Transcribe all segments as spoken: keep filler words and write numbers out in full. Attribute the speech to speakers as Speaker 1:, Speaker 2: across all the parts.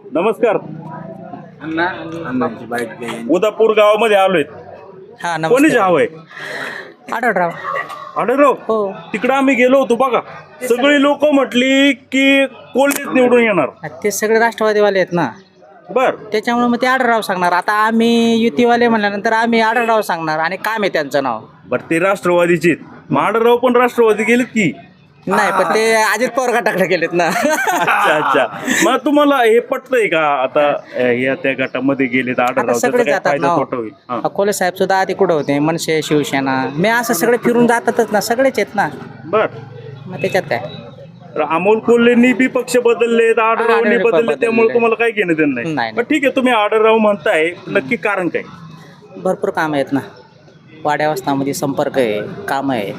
Speaker 1: नमस्कार. उदापूर गावामध्ये आलोय.
Speaker 2: हा
Speaker 1: कोणी हवंय?
Speaker 2: आढळराव.
Speaker 1: आढळराव.
Speaker 2: हो.
Speaker 1: तिकडं आम्ही गेलो होतो बघा, सगळी लोक म्हटली की कोल्हेच निवडून येणार.
Speaker 2: ते सगळे राष्ट्रवादीवाले आहेत ना,
Speaker 1: बर.
Speaker 2: त्याच्यामुळे मग ते आढळराव सांगणार. आता आम्ही युतीवाले म्हणल्यानंतर आम्ही आढळराव सांगणार. आणि काम आहे त्यांचं नाव.
Speaker 1: बर, ते राष्ट्रवादीचे आढळराव पण राष्ट्रवादी गेलेत की
Speaker 2: नाही, पण ते अजित पवार गटाकडे गेलेत ना.
Speaker 1: अच्छा अच्छा. मग तुम्हाला हे पटतंय का आता या त्या गटामध्ये गेलेत आढळराव,
Speaker 2: सगळे
Speaker 1: त्याचा काय
Speaker 2: जातात
Speaker 1: फायदा
Speaker 2: ना.
Speaker 1: तोटा होईल? हा.
Speaker 2: कोल्हे साहेब सुद्धा आधी कुठं होते, मनसे, शिवसेना, मी असं सगळे फिरून जातातच ना, सगळेच आहेत ना.
Speaker 1: बर.
Speaker 2: मग त्याच्यात काय.
Speaker 1: तर अमोल कोल्हेंनी बी पक्ष बदललेत, आढळरावनी
Speaker 2: आढळराव
Speaker 1: बदलले, त्यामुळे
Speaker 2: बदलले.
Speaker 1: तुम्हाला काही घेणं देणं नाही.
Speaker 2: नाही,
Speaker 1: पण ठीक आहे, तुम्ही आढळराव म्हणताय, नक्की कारण काय?
Speaker 2: भरपूर कामं आहेत ना. वाड्यावस्थामध्ये संपर्क आहे, कामं आहे.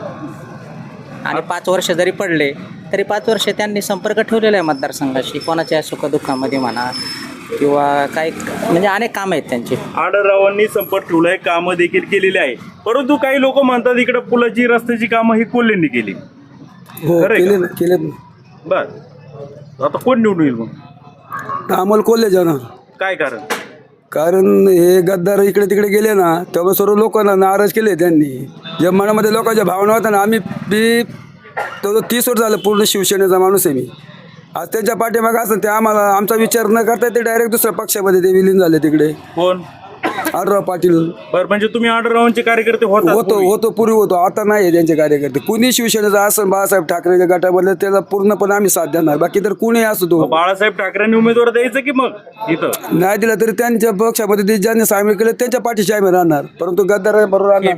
Speaker 2: आणि पाच वर्ष जरी पडले तरी पाच वर्ष त्यांनी संपर्क ठेवलेला आहे मतदारसंघाशी. कोणाच्या सुखदुःखामध्ये म्हणा किंवा काही म्हणजे अनेक कामं आहेत त्यांची.
Speaker 1: आढळरावांनी संपर्क ठेवलाय, कामं देखील केलेली आहे. परंतु काही लोक म्हणतात इकडे पुलाची रस्त्याची कामं ही कोल्हेंनी केली.
Speaker 3: हो,
Speaker 1: खरंय
Speaker 3: केले
Speaker 1: का?
Speaker 3: केले
Speaker 1: बर. आता कोण निवडून येईल मग?
Speaker 3: अमोल कोल्हे जाणार.
Speaker 1: काय कारण?
Speaker 3: कारण हे गद्दार इकडे तिकडे गेले ना, तेव्हा सर्व लोकांना नाराज केले त्यांनी. ज्या मनामध्ये लोकांच्या भावना होत्या ना, आम्ही बी तो तीस वर्ष झालं पूर्ण शिवसेनेचा माणूस आहे मी. आज त्यांच्या पाठीमागे असं ते आम्हाला आमचा विचार न करता ते डायरेक्ट दुसऱ्या पक्षामध्ये ते विलीन झाले तिकडे.
Speaker 1: कोण?
Speaker 3: आढळराव पाटील.
Speaker 1: बर, म्हणजे तुम्ही आढळरावांचे कार्यकर्ते होता?
Speaker 3: होतो होतो पूर्वी होतो, आता नाही आहे त्यांचे कार्यकर्ते. कुणी शिवसेनेचा असं बाळासाहेब ठाकरेच्या गटामधलं त्याला पूर्णपणे आम्ही साथ देणार. बाकी तर कुणी असो तो.
Speaker 1: बाळासाहेब ठाकरेंनी उमेदवार द्यायचं की मग इथं
Speaker 3: नाही दिला तरी त्यांच्या पक्षामध्ये ते ज्यांनी सामील केलं त्यांच्या पाठीशी आम्ही राहणार. परंतु गद्दार बरोबर राहणार.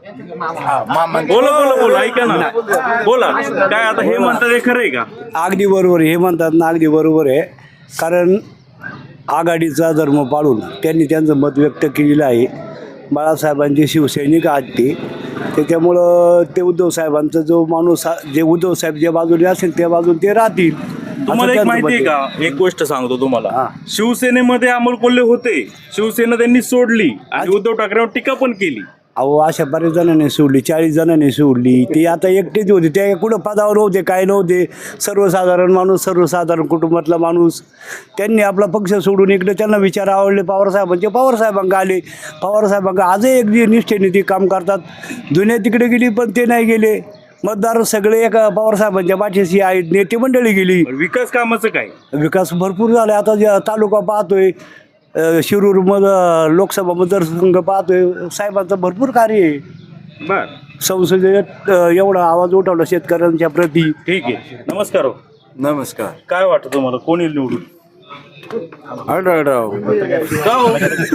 Speaker 1: बोला बोला बोला, ऐका ना, बोला. काय आता हे म्हणतात हे खरंय का?
Speaker 4: अगदी बरोबर आहे, हे म्हणतात ना, अगदी बरोबर आहे. कारण आघाडीचा धर्म पाळून त्यांनी त्यांचं मत व्यक्त केलेलं आहे. बाळासाहेबांचे शिवसैनिक आहेत ते, त्याच्यामुळं ते उद्धव साहेबांचा जो माणूस जे उद्धव साहेब ज्या बाजूने असेल त्या बाजूने ते राहतील.
Speaker 1: तुम्हाला एक माहिती आहे का? एक गोष्ट सांगतो तुम्हाला. शिवसेनेमध्ये अमोल कोल्हे होते, शिवसेना त्यांनी सोडली आणि उद्धव ठाकरेंवर टीका पण केली.
Speaker 4: अहो, अशा बऱ्याच जणांनी सोडली, चाळीस जणांनी सोडली. ती आता एकटेच होते, त्या कुठं पदावर नव्हते, काय नव्हते. सर्वसाधारण माणूस, सर्वसाधारण कुटुंबातला माणूस. त्यांनी आपला पक्ष सोडून इकडे त्यांना विचार आवडले पवारसाहेबांचे, पवारसाहेबांना आले. पवारसाहेबांना आजही एक निष्ठेने ती काम करतात. जुन्या तिकडे गेली पण ते नाही गेले. मतदार सगळे एका पवारसाहेबांच्या पाठीशी आहेत. नेते मंडळी गेली.
Speaker 1: विकास कामाचं काय?
Speaker 4: विकास भरपूर झाला. आता जे तालुका पाहतोय, शिरूर मध लोकसभा मतदारसंघ पाहतोय, साहेबांचं भरपूर कार्य आहे.
Speaker 1: बर.
Speaker 4: संसदेत एवढा आवाज उठवला शेतकऱ्यांच्या प्रती.
Speaker 1: ठीक आहे. नमस्कार हो.
Speaker 5: नमस्कार.
Speaker 1: काय वाटतं तुम्हाला, कोणी निवडून?
Speaker 5: आढळराव.
Speaker 1: का हो?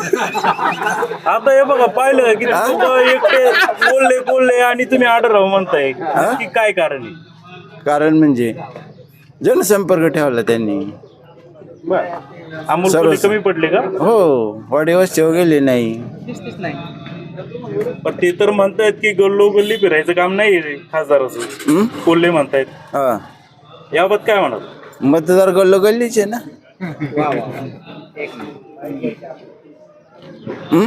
Speaker 1: आता हे बघा, पाहिलं की लोकं एकटे बोलले बोलले आणि तुम्ही आढळराव म्हणताय की काय कारण आहे?
Speaker 5: कारण म्हणजे जनसंपर्क ठेवला त्यांनी.
Speaker 1: बर. अमोल कोल्हे कमी पडले का?
Speaker 5: हो, वाडीवस्तीवर गेले नाही.
Speaker 1: पण ते तर म्हणतायत की गल्लो गल्ली फिरायचं काम नाही रे खासदाराचं. कोल्हे म्हणतायत.
Speaker 5: हा,
Speaker 1: याबाबत काय म्हणाल?
Speaker 5: मतदार गल्लो गल्लीचे ना. हम्म?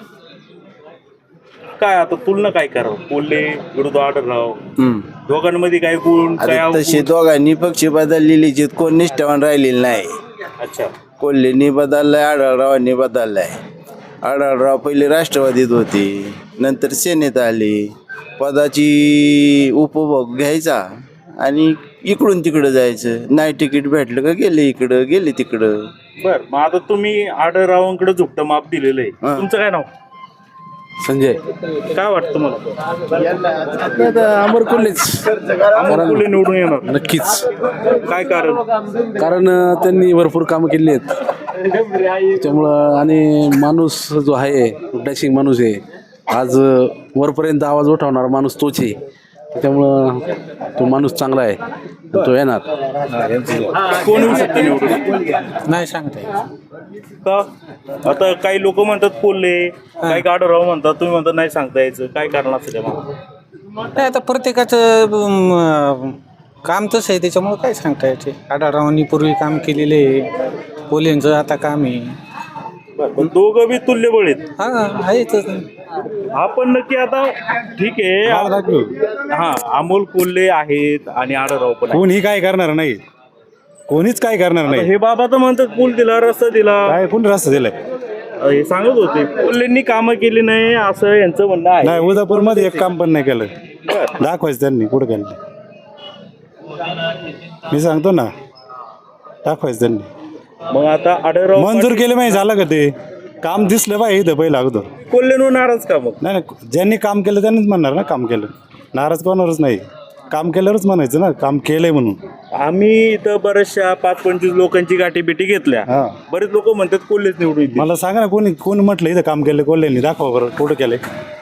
Speaker 1: काय आता तुलना काय करावं? कोल्हे विरुद्ध आढळराव,
Speaker 5: हम्म.
Speaker 1: दोघांमध्ये काय गुण काय
Speaker 5: आता
Speaker 1: अवगुण?
Speaker 5: तशी दोघांनी पक्षी बदललेली कोण निष्ठावान राहिलेली नाही.
Speaker 1: अच्छा.
Speaker 5: कोल्हेंनी बदललाय, आढळरावांनी बदललाय. आढळराव पहिले राष्ट्रवादीत होते, नंतर सेनेत आले. पदाची उपभोग घ्यायचा आणि इकडून तिकडं जायचं. नाही तिकीट भेटलं का गेले इकडं, गेले तिकडं.
Speaker 1: बर. मग आता तुम्ही आढळरावांकडे झुकतं माप दिलेलं आहे.
Speaker 5: हा.
Speaker 1: तुमचं काय नाव?
Speaker 6: संजय.
Speaker 1: काय वाटतं तुम्हाला?
Speaker 6: अमर कोल्हेच
Speaker 1: अमोल कोल्हे निवडून येणार?
Speaker 6: नक्कीच.
Speaker 1: काय कारण?
Speaker 6: कारण त्यांनी भरपूर कामं केली आहेत त्यामुळं. आणि माणूस जो आहे डॅशिंग माणूस आहे, आज वरपर्यंत आवाज उठवणारा माणूस तोच आहे. त्यामुळं तो माणूस चांगला आहे, तो येणार.
Speaker 1: कोण येऊ शकतं निवडून?
Speaker 2: नाही सांगता.
Speaker 1: का? आता काही लोक म्हणतात कोल्हे, काही आढळराव म्हणतात, तुम्ही म्हणतात नाही सांगता यायचं. काय कारण असतं त्यामुळे?
Speaker 2: नाही, आता प्रत्येकाचं काम तसं आहे, त्याच्यामुळं काय सांगता येते. आढळरावांनी पूर्वी काम केलेलं आहे, कोल्हेंचं आता काम आहे.
Speaker 1: पण दोघं बी तुल्यबळ आहेत.
Speaker 2: हा आहेच.
Speaker 1: आपण नक्की आता ठीक आहे. हा, अमोल कोल्हे आहेत आणि आढळराव पण आहेत.
Speaker 7: कोणी काय करणार नाही. कोणीच काय करणार नाही.
Speaker 1: हे बाबा तर म्हणतात पूल दिला, रस्ता दिला,
Speaker 7: काय कोण रस्ता दिलाय?
Speaker 1: हे सांगत होते कोल्हेंनी कामं केली नाही असं यांचं म्हणणं आहे.
Speaker 7: नाही, उदापूर मध्ये एक काम पण नाही केलं. दाखवायचं त्यांनी कुठं केलं ते. मी सांगतो ना, दाखवायचं त्यांनी.
Speaker 1: मग आता आढळराव
Speaker 7: मंजूर केलं माहिती झालं का ते काम दिसलं पाहिजे इथं पहिलं अगोदर.
Speaker 1: कोल्हेंवर नाराज का मग?
Speaker 7: नाही नाही, ज्यांनी काम केलं त्यांनीच म्हणणार ना काम केलं. नाराज कोणावरच नाही, काम केल्यावरच म्हणायचं ना काम केलंय म्हणून.
Speaker 1: आम्ही इथं बऱ्याचशा पाच पंचवीस लोकांची गाठी बिटी घेतल्या.
Speaker 7: हा.
Speaker 1: बरेच लोक म्हणतात कोल्हेच निवडून येतील.
Speaker 7: मला सांगा ना कोणी कोणी म्हटलं इथं काम केलं कोल्ह्यांनी? दाखवा बरं कुठं केलंय.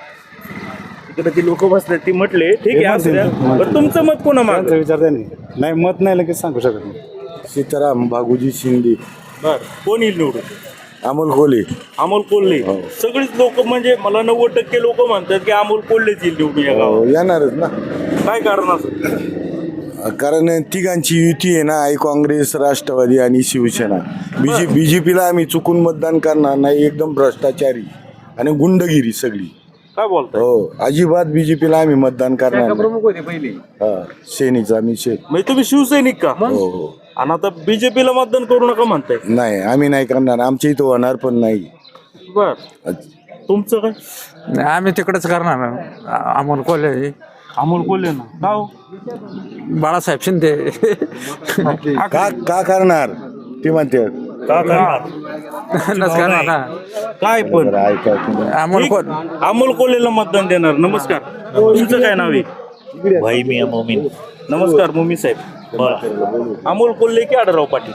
Speaker 1: इकडे ती लोक बसतात ती म्हटले ठीक आहे असू द्या. बरं, तुमचं मत कोणा माग?
Speaker 7: त्यांचा विचार त्यांनी नाही, मत नाही लगेच सांगू शकत नाही.
Speaker 5: सीताराम बागुजी शिंदे,
Speaker 1: बर, कोण येईल निवडून?
Speaker 5: अमोल कोल्हे.
Speaker 1: अमोल कोल्हे. सगळीच लोक म्हणजे मला नव्वद टक्के लोक म्हणतात की अमोल कोल्हेच येईल निवडून या गावात.
Speaker 5: येणारच ना,
Speaker 1: काय कारण असं?
Speaker 5: कारण तिघांची युती आहे ना, आई काँग्रेस, राष्ट्रवादी आणि शिवसेना. बीजे बीजेपीला आम्ही चुकून मतदान करणार नाही. एकदम भ्रष्टाचारी आणि गुंडगिरी सगळी.
Speaker 1: काय बोलताय?
Speaker 5: हो, अजिबात बीजेपीला आम्ही मतदान करणार नाही. प्रमुख होते पहिले सेनीचा आम्ही शे
Speaker 1: म्हणजे तुम्ही शिवसैनिक का?
Speaker 5: हो हो.
Speaker 1: आणि आता बीजेपीला मतदान करू नका म्हणताय.
Speaker 5: नाही, आम्ही नाही करणार. आमच्या इथं होणार पण नाही.
Speaker 1: बर, तुमचं काय?
Speaker 8: नाही, आम्ही तिकडेच करणार अमोल कोल्हे.
Speaker 1: अमोल कोल्हे ना का हो?
Speaker 8: बाळासाहेब शिंदे.
Speaker 5: का का करणार ते म्हणते.
Speaker 1: का करणार?
Speaker 8: नसणार ना.
Speaker 1: काय पण
Speaker 5: ऐका तुम्ही.
Speaker 8: अमोल
Speaker 1: ठीक.
Speaker 8: कोल्हे.
Speaker 1: अमोल कोल्हेला मतदान देणार. नमस्कार, तुमचं काय नाव आहे?
Speaker 9: भाई मी मोमीन.
Speaker 1: नमस्कार मोमी साहेब. बरं, अमोल कोल्हे की आढळराव पाटील?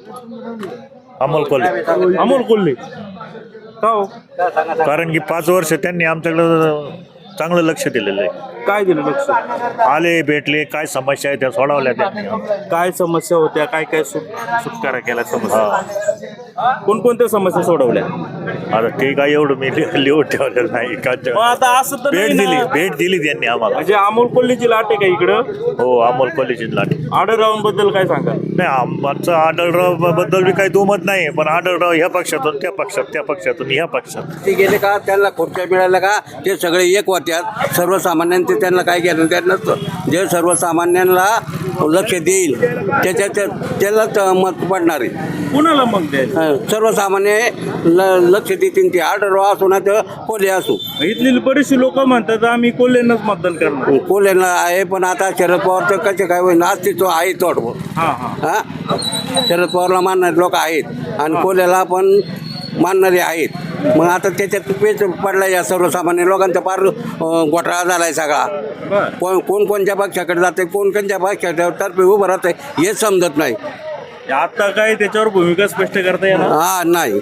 Speaker 9: अमोल कोल्हे.
Speaker 1: अमोल कोल्हे का हो?
Speaker 9: कारण की पाच वर्ष त्यांनी आमच्याकडं चांगलं लक्ष दिलेलं आहे.
Speaker 1: काय दिलं लक्ष?
Speaker 9: आले, भेटले, काय समस्या आहे त्या सोडवल्या त्यांनी.
Speaker 1: काय समस्या होत्या, काय काय सुट सुटकारा केला समस्या? कोणकोणत्या समस्या सोडवल्या?
Speaker 9: आता ते काय एवढं मी लि- लिहून ठेवलेलं नाही का.
Speaker 1: मग आता असं तर
Speaker 9: भेट
Speaker 1: नाही
Speaker 9: दिली
Speaker 1: ना.
Speaker 9: भेट दिली त्यांनी आम्हाला.
Speaker 1: म्हणजे अमोल कोल्हेची लाट आहे का इकडं?
Speaker 9: हो, अमोल कोल्हेची लाट.
Speaker 1: आढळरावांबद्दल काय सांगा?
Speaker 9: नाही, आमचं आढळराव बद्दल बी काही दुमत नाही, पण आढळराव ह्या पक्षातून त्या पक्षात, त्या पक्षातून ह्या पक्षात.
Speaker 10: ते गेले का त्यांना खुर्च्या मिळाल्या का ते सगळे एक होत्यात. सर्वसामान्यांचे त्यांना काय घेणं त्या नसतं. जे सर्वसामान्यांना लक्ष देईल त्याच्या त्यालाच मत पडणार आहे.
Speaker 1: कुणाला मग द्यायचं?
Speaker 10: सर्वसामान्य ल लक्ष देतील ते. आढळराव असो ना तर कोल्हे असो.
Speaker 1: इथली बरीचशी लोक म्हणतात आम्ही कोल्हेंनाच मतदान करणार.
Speaker 10: कोल्हेला आहे पण आता शरद पवारचं कसे काय होईल अस्तित्व आहे थोडं.
Speaker 1: हा हा
Speaker 10: हां, शरद पवारला मानणारे लोक आहेत आणि कोल्ह्याला पण मानणारे आहेत. मग आता त्याच्यात पेच पडला या सर्वसामान्य लोकांचा फार अं, घोटाळा झाला आहे सगळा.
Speaker 1: बर,
Speaker 10: कोण कोण कोणत्या पक्षाकडे जाते, कोण कोणत्या पक्षाच्या तर्फे उभं राहत आहे हेच समजत नाही.
Speaker 1: आता काय त्याच्यावर भूमिका स्पष्ट करता येणार?
Speaker 10: हा नाही.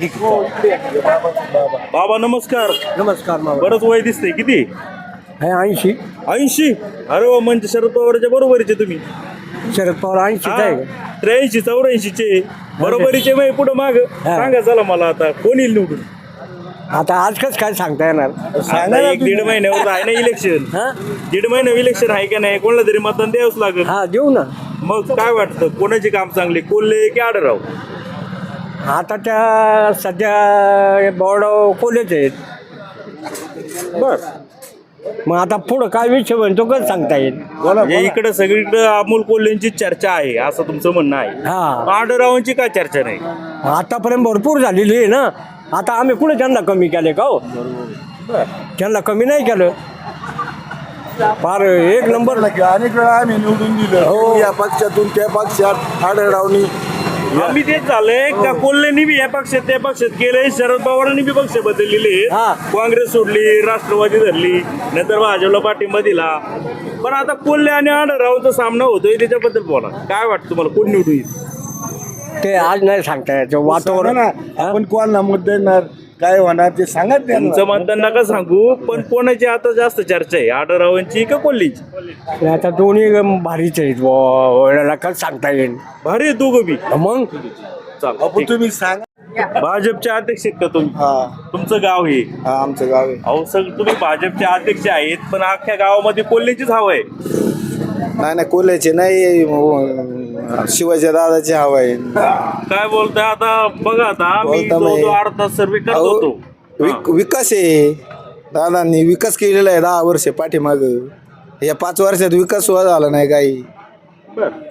Speaker 1: बाबा नमस्कार.
Speaker 3: नमस्कार.
Speaker 1: बरंच वय दिसतंय. किती?
Speaker 3: ऐंशी.
Speaker 1: ऐंशी? अरे वा, म्हणजे शरद पवारच्या बरोबरीचे तुम्ही.
Speaker 3: शरद पवार ऐंशी
Speaker 1: त्र्याऐंशी चौऱ्याऐंशीचे बरोबरीचे मग पुढं माग सांगा चला मला आता कोण येईल निवडून?
Speaker 3: आता आज कसं काय सांगता येणार?
Speaker 1: आता एक दीड महिन्यावर आहे ना इलेक्शन. दीड महिन्यावर इलेक्शन आहे का नाही? कोणाला तरी मतदान द्यावंच लागेल.
Speaker 3: हा देऊ ना.
Speaker 1: मग काय वाटतं कोणाची काम चांगली, कोल्हे की आढळराव?
Speaker 3: आता त्या सध्या बोर्ड कोल्हेच आहेत.
Speaker 1: बर,
Speaker 3: मग आता पुढं काय विषय म्हणतो कसं सांगता येईल?
Speaker 1: म्हणजे इकडे सगळीकडे अमोल कोल्हेंची चर्चा आहे असं तुमचं म्हणणं आहे.
Speaker 3: हा,
Speaker 1: आढळरावांची काय चर्चा नाही?
Speaker 3: आतापर्यंत भरपूर झालेली आहे ना. आता आम्ही कुठे त्यांना कमी केले का हो? त्यांना कमी नाही केलं. फार एक नंबर.
Speaker 5: अनेक वेळा आम्ही निवडून दिलं. हो, या पक्षातून त्या पक्षात आढळरावनी.
Speaker 1: आम्ही तेच झालंय का कोल्हेनी बी या पक्षात त्या पक्षात गेले, शरद पवारांनी बी पक्ष बदललेले.
Speaker 3: हा.
Speaker 1: काँग्रेस सोडली, राष्ट्रवादी धरली, नंतर भाजपला पाठिंबा दिला. पण आता कोल्हे आणि आढळरावांचा सामना होतोय त्याच्याबद्दल बोला. काय वाटतं तुम्हाला कोण निवडून येईल?
Speaker 3: ते आज नाही सांगता यायचं वातावरण.
Speaker 5: आपण कोणाला मत देणार, काय होणार ते सांगा.
Speaker 1: तुमचं मतदान नका सांगू, पण कोणाची आता जास्त चर्चा आहे, आढळरावांची का कोल्हेची?
Speaker 3: आता दोन्ही भारीच आहेत. व- कसं सांगता येईल?
Speaker 1: भारी आहे दोघं बी.
Speaker 3: मग
Speaker 1: चालेल, ठीक.
Speaker 5: तुम्ही सांगा.
Speaker 1: भाजपचे अध्यक्ष आहेत का तुम्ही?
Speaker 5: हा,
Speaker 1: तुमचं गाव हे?
Speaker 5: हा, आमचं गाव आहे.
Speaker 1: अहो सर, तुम्ही भाजपचे अध्यक्ष आहेत पण अख्ख्या गावामध्ये कोल्हेचीच हवं आहे.
Speaker 5: नाही नाही, कोल्ह्याचे नाही, शिवाजी दादाची हवा आहे.
Speaker 1: काय बोलताय आता? बघा आता आम्ही
Speaker 5: बोलता
Speaker 1: जो-
Speaker 5: नाही.
Speaker 1: जो अर्धा सर्वे करत
Speaker 5: अहो,
Speaker 1: होतो.
Speaker 5: विक- विकास आहे. दादांनी विकास केलेला आहे दहा वर्ष पाठीमाग. या पाच वर्षात विकास सुद्धा झाला नाही काही.
Speaker 1: बरं.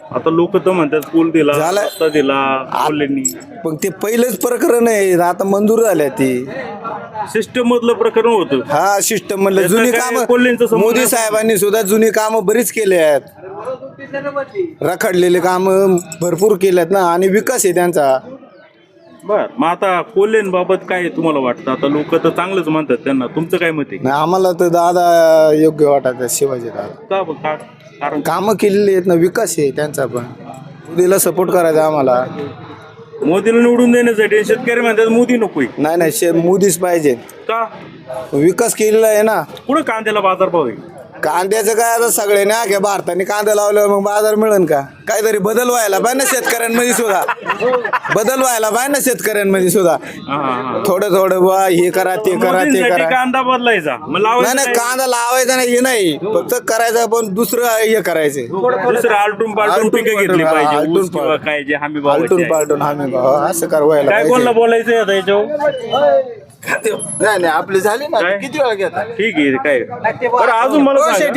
Speaker 1: आता लोक तर म्हणतात पूल दिला
Speaker 3: झालं.
Speaker 1: रस्ता दिला कोल्हेंनी.
Speaker 3: पण ते पहिलंच प्रकरण आहे, आता मंजूर झाल्या ती.
Speaker 1: सिस्टम मधलं प्रकरण होतं.
Speaker 3: हा सिस्टम म्हणलं
Speaker 1: त्याचं
Speaker 3: जुनी
Speaker 1: काय कोल्हेंचं
Speaker 3: कामं
Speaker 1: संबंध
Speaker 3: मोदी साहेबांनी सुद्धा जुनी कामं बरीच केली आहेत, रखडलेले कामं भरपूर केल्यात ना, आणि विकास आहे त्यांचा.
Speaker 1: बर मग आता कोल्हेंबाबत काय तुम्हाला वाटतं? आता लोक तर चांगलंच म्हणतात त्यांना, तुमचं काय मत आहे?
Speaker 3: नाही, आम्हाला तर दादा योग्य वाटत शिवाजी दादा.
Speaker 1: का ब- का- कारण
Speaker 3: कामं केलेली आहेत ना, विकास आहे त्यांचा पण. मोदीला सपोर्ट करायचा आम्हाला.
Speaker 1: मोदीला निवडून देण्यासाठी शेतकरी म्हणतात मोदी नकोय.
Speaker 3: नाही नाही शे मोदीच पाहिजे.
Speaker 1: का?
Speaker 3: विकास केलेला आहे ना.
Speaker 1: पुढे कांद्याला बाजारभाव आहे.
Speaker 3: कांद्याचं काय आता सगळ्यांनी अख्या भारताने कांदा लावल्यावर मग बाजार मिळेल का? काहीतरी बदल व्हायला पाहिजे ना शेतकऱ्यांमध्ये सुद्धा. बदल व्हायला पाहिजे ना शेतकऱ्यांमध्ये सुद्धा.
Speaker 1: हा, हा.
Speaker 3: थोडं थोडं बा हे करा ते करा ते
Speaker 1: मोदींसाठी
Speaker 3: करा.
Speaker 1: कांदा बदलायचा मग
Speaker 3: नाही
Speaker 1: लावायचा
Speaker 3: नाही
Speaker 1: काय?
Speaker 3: कांदा लावायचा नाही हे नाही, फक्त करायचं पण दुसरं हे करायचं.
Speaker 1: दुसरं आलटून पालटून
Speaker 3: आलटून
Speaker 1: पिकं घेतली
Speaker 3: पालटून, हा,
Speaker 1: पाहिजे.
Speaker 3: आलटून
Speaker 1: ऊस किंवा
Speaker 3: पालटून.
Speaker 1: काय जे हमी भाव
Speaker 3: पालटून पालटून आम्ही भाऊ असं कर व्हायला
Speaker 1: काय कोणाला
Speaker 3: पाहिजे.
Speaker 1: बोलायचं आता याच्यावर?
Speaker 5: नाही नाही आपले झाले ना,
Speaker 1: काय?
Speaker 5: किती वेळा घेता?
Speaker 1: ठीक आहे काय बरं अजून मला सांगा.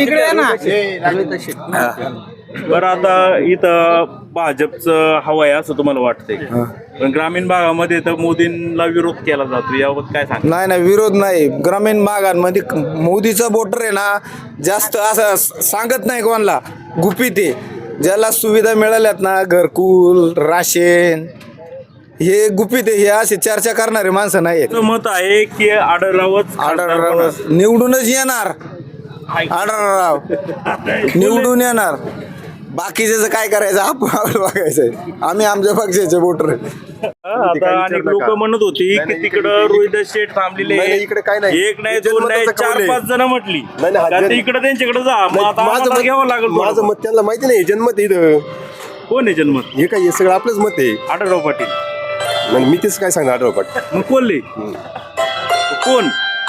Speaker 1: बरं आता इथं भाजपचं हवं आहे असं तुम्हाला वाटतंय, पण ग्रामीण भागामध्ये तर मोदींना विरोध केला जातो, याबाबत काय सांग?
Speaker 3: नाही नाही विरोध नाही. ग्रामीण भागांमध्ये मोदीचं वोटर आहे ना जास्त असं सांगत नाही कोणाला, गुपित आहे. ज्याला सुविधा मिळाल्यात ना, घरकुल राशन हे गुपित आहे, हे असे चर्चा करणारे माणसं नाही आहेत.
Speaker 1: मत आहे की आढळरावच
Speaker 3: आढळराव निवडूनच येणार. आढळराव निवडून येणार. बाकीचं काय करायचं आपण आपलं बघायचं. आम्ही आमच्या पक्षाचे वोटर आहे.
Speaker 1: आता अनेक लोक म्हणत होती की तिकडं रोहिदास शेठ थांबलेले
Speaker 11: नाही, नाही, इकडे काय नाही.
Speaker 1: एक नाही दोन नाही
Speaker 11: जनमताचं
Speaker 1: चार
Speaker 11: कौल आहे.
Speaker 1: पाच जण म्हटली
Speaker 11: नाही, नाही,
Speaker 1: का
Speaker 11: जन-
Speaker 1: ते इकडे त्यांच्याकडे जा मग आता
Speaker 11: माझं
Speaker 1: आम्हाला
Speaker 11: मत
Speaker 1: घ्यावं लागेल.
Speaker 11: माझं मत त्यांना माहिती नाही, जन्मत आहे इथं.
Speaker 1: कोण आहे जन्मत?
Speaker 11: हे काय हे सगळं आपलंच मत आहे.
Speaker 1: आढळराव पाटील.
Speaker 11: नाही, मी तेच काय सांगणार आढळराव पाटील.
Speaker 1: मग कोल्हे कोण?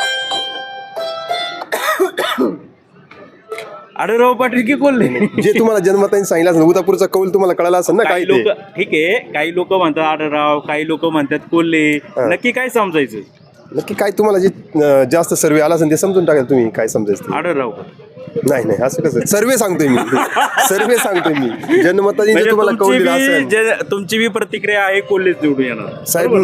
Speaker 1: आढळराव पाटील की कोल्हे?
Speaker 11: जे तुम्हाला जन्मताने सांगितलं असेल, उदापूरचा कौल तुम्हाला कळाला असेल ना काय
Speaker 1: काही
Speaker 11: ते.
Speaker 1: लोक ठीक आहे, काही लोक म्हणतात आढळराव, काही लोक म्हणतात कोल्हे. नक्की काय समजायचं?
Speaker 11: नक्की काय तुम्हाला जे अं, जास्त सर्वे आला असेल ते समजून टाकाल तुम्ही काय समजायचं ते.
Speaker 1: आढळराव
Speaker 11: नाही नाही असं कसं सर्वे सांगतोय मी सर्वे सांगतोय मी जन्मताने जे
Speaker 1: म्हणजे
Speaker 11: तुम्हाला कौल
Speaker 1: तुमची
Speaker 11: दिला
Speaker 1: बी
Speaker 11: असेल
Speaker 1: जे- तुमची बी प्रतिक्रिया आहे कोल्हेच निवडून येणार.
Speaker 11: साहेब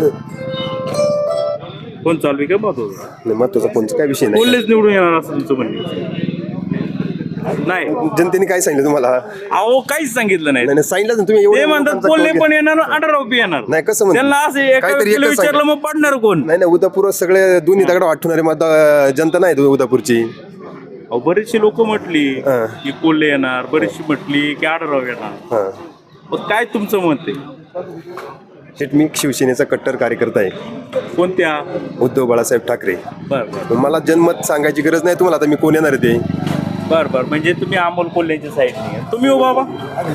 Speaker 1: कोण चालू आहे का महत्वाचं?
Speaker 11: नाही, महत्वाचा कोणचा काय विषय नाही.
Speaker 1: कोल्हेच निवडून येणार असं तुमचं म्हणणं नाही?
Speaker 11: जनतेने काय सांगितलं तुम्हाला?
Speaker 1: अहो काहीच सांगितलं नाही.
Speaker 11: नाही नाही, सांगितलं ना तुम्ही. एवढ्या
Speaker 1: ते म्हणतात
Speaker 11: लोकांचा
Speaker 1: कोल्हे
Speaker 11: कौल
Speaker 1: पण
Speaker 11: घ्या.
Speaker 1: येणार आढळराव बी येणार.
Speaker 11: नाही, कसं म्हणतात?
Speaker 1: त्यांना असं एका
Speaker 11: काहीतरी
Speaker 1: व्यक्तीला
Speaker 11: एकच
Speaker 1: विचारलं मग पडणार कोण?
Speaker 11: नाही नाही उदापूर सगळे दोन्ही दगड वाटणारे मत जनता नाही उदापूरची.
Speaker 1: अहो बरीचशी लोक म्हटली
Speaker 11: हा.
Speaker 1: की कोल्हे येणार, बरीचशी म्हटली की आढळराव येणार.
Speaker 11: हा
Speaker 1: मग काय तुमचं मत आहे?
Speaker 11: शेट मी शिवसेनेचा कट्टर कार्यकर्ता आहे,
Speaker 1: कोणत्या?
Speaker 11: उद्धव बाळासाहेब ठाकरे.
Speaker 1: बर बर
Speaker 11: मला जनमत सांगायची गरज नाही तुम्हाला. आता मी कोण येणार आहे ते.
Speaker 1: बर बर म्हणजे तुम्ही अमोल कोल्हेच्या साईडने तुम्ही हो बाबा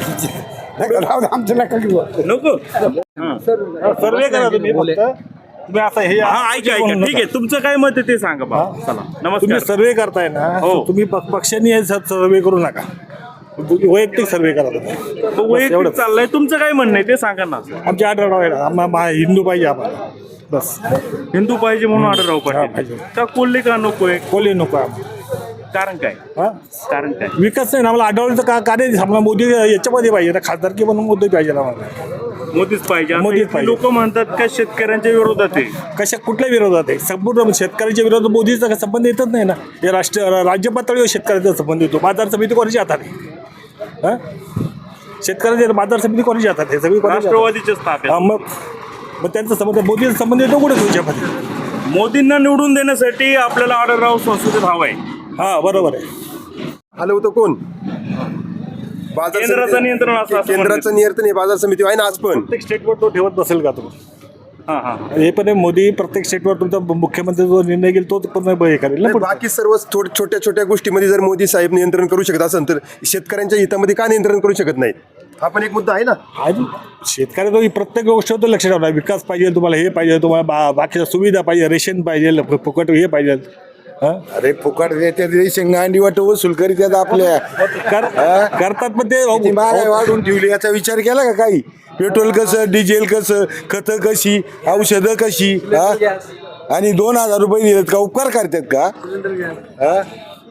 Speaker 1: नको सर्वे करा तुम्ही फक्त.
Speaker 7: तुम्ही आता हे
Speaker 1: हा ऐका ऐका ठीक आहे, तुमचं काय मत आहे ते सांगा बा. चला
Speaker 7: तुम्ही
Speaker 1: नमस्कार.
Speaker 7: सर्वे करताय ना,
Speaker 1: हो.
Speaker 7: तुम्ही पक्ष- पक्षाने हे सर्वे करू नका, वैयक्तिक सर्वे करा तुम्ही.
Speaker 1: मग वैयक्तिक चाललंय, तुमचं काय म्हणणं आहे ते सांगा ना.
Speaker 7: आमचे आढळराव आहे ना, आम्हा- मा- हिंदू पाहिजे आम्हाला, बस.
Speaker 1: हिंदू पाहिजे म्हणून आढळराव
Speaker 7: हा,
Speaker 1: पाटील
Speaker 7: पाहिजे.
Speaker 1: का कोल्हे का नकोय?
Speaker 7: कोल्हे नको आम्हाला.
Speaker 1: कारण काय?
Speaker 7: हा?
Speaker 1: कारण काय?
Speaker 7: विकास नाही ना आम्हाला. आढळलं का कार्य आम्हाला मोदी याच्यामध्ये पाहिजे ना, खासदारकी म्हणून मोदी पाहिजे आम्हाला.
Speaker 1: मोदीच पाहिजे.
Speaker 7: मोदीच पाहिजे.
Speaker 1: लोक म्हणतात का शेतकऱ्यांच्या विरोधात आहे.
Speaker 7: कशा कुठल्या विरोधात आहे? संपूर्ण शेतकऱ्याच्या विरोधात मोदीचा संबंध येतच नाही ना. हे राष्ट्र राज्य पातळीवर शेतकऱ्याचा संबंध येतो. बाजार समिती कोणाच्या हातात आहे? हा? शेतकऱ्याच्या बाजार समिती कोणाच्या हातात आहे? सगळी कोणाच्या हातात आहे?
Speaker 1: राष्ट्रवादीच्याच ताब्यात.
Speaker 7: हा, मग मग त्यांचा संबंध मोदीचा संबंध येतो कुठे तुमच्यामध्ये?
Speaker 1: मोदींना निवडून देण्यासाठी आपल्याला आढळराव संसदेत हवाय.
Speaker 7: हा बरोबर आहे.
Speaker 11: आलं होतं कोण? बाजार
Speaker 1: केंद्राचं
Speaker 11: समिती-
Speaker 1: नियंत्रण असं- असं
Speaker 11: केंद्राचं नियंत्रण हे बाजार समिती आहे ना आज पण.
Speaker 7: प्रत्येक स्टेटवर तो ठेवत नसेल का तो?
Speaker 1: हा हा
Speaker 7: हे पण आहे, मोदी प्रत्येक स्टेटवर तुमचा मुख्यमंत्री जो निर्णय घेईल तो पण हे करेल ना.
Speaker 11: नाही, बाकी सर्व थोड- छोट्या छोट्या गोष्टीमध्ये जर मोदी साहेब नियंत्रण करू शकत असेल तर शेतकऱ्यांच्या हितामध्ये का नियंत्रण करू शकत नाहीत? हा पण एक मुद्दा आहे ना.
Speaker 7: आज शेतकऱ्याचा ही प्रत्येक गोष्टीवर लक्ष ठेवणार. विकास पाहिजे तुम्हाला, हे पाहिजे तुम्हाला, बा बाकीच्या सुविधा पाहिजे, रेशन पाहिजे, फु- फुकट हे पाहिजे. हा?
Speaker 3: अरे फुकट देते शेंगांडी वाट वसूल करीत आहेत आपल्या.
Speaker 7: कर- करतात पण
Speaker 3: किती
Speaker 7: ते
Speaker 3: महागाई वाढून ठेवली याचा विचार केला का काही? पेट्रोल कसं, डिझेल कसं, खतं कशी, औषधं कशी, हा? आणि दोन हजार रुपये दिलेत का उपकार करतात का? हा?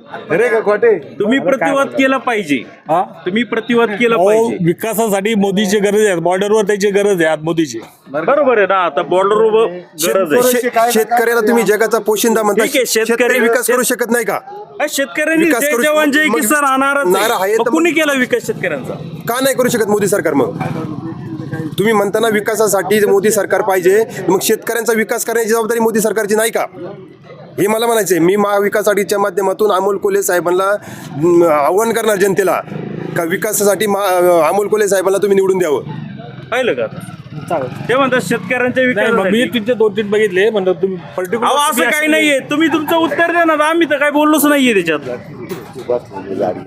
Speaker 11: खरे का खोटे?
Speaker 1: तुम्ही प्रतिवाद केला पाहिजे.
Speaker 7: हा
Speaker 1: तुम्ही प्रतिवाद केला
Speaker 7: अहो,
Speaker 1: पाहिजे.
Speaker 7: विकासासाठी मोदीची गरज आहे, बॉर्डरवर त्याची गरज आहे आज मोदीची.
Speaker 1: बरोबर आहे ना. आता बॉर्डरवर गरज आहे.
Speaker 11: शे- शेतकऱ्याला तुम्ही जगाचा पोशिंदा म्हणता.
Speaker 1: ठीक आहे, शेतकरी-
Speaker 11: शेतकरी विकास करू शकत नाही का?
Speaker 1: अरे शेतकऱ्यांनी
Speaker 11: विकास
Speaker 1: जय
Speaker 11: करू-
Speaker 1: जवान जय
Speaker 11: मग-
Speaker 1: किसान नाराज
Speaker 11: नारा आहे
Speaker 1: आहे.
Speaker 11: तर
Speaker 1: मग
Speaker 11: मग-
Speaker 1: कुणी केला विकास शेतकऱ्यांचा?
Speaker 11: का नाही करू शकत मोदी सरकार? मग तुम्ही म्हणताना विकासासाठी मोदी सरकार पाहिजे, मग शेतकऱ्यांचा विकास करण्याची जबाबदारी मोदी सरकारची नाही का? हे मला म्हणायचं आहे. मी महाविकास आघाडीच्या माध्यमातून अमोल कोल्हे साहेबांना अं, आव्हान करणार जनतेला का विकासासाठी मा- अमोल कोल्हे साहेबांना तुम्ही निवडून द्यावं.
Speaker 1: पाहिलं का? ते म्हणतात शेतकऱ्यांच्या
Speaker 7: नाही, मग मी
Speaker 1: विकास.
Speaker 7: तुमचे दोन तीन बघितले म्हणलं तुम्ही
Speaker 1: अहो
Speaker 7: पर्टिक्युलर
Speaker 1: असं काही नाहीये. तुम्ही तुमचं उत्तर द्या ना. आम्ही तर काही बोललोच नाहीये त्याच्यात.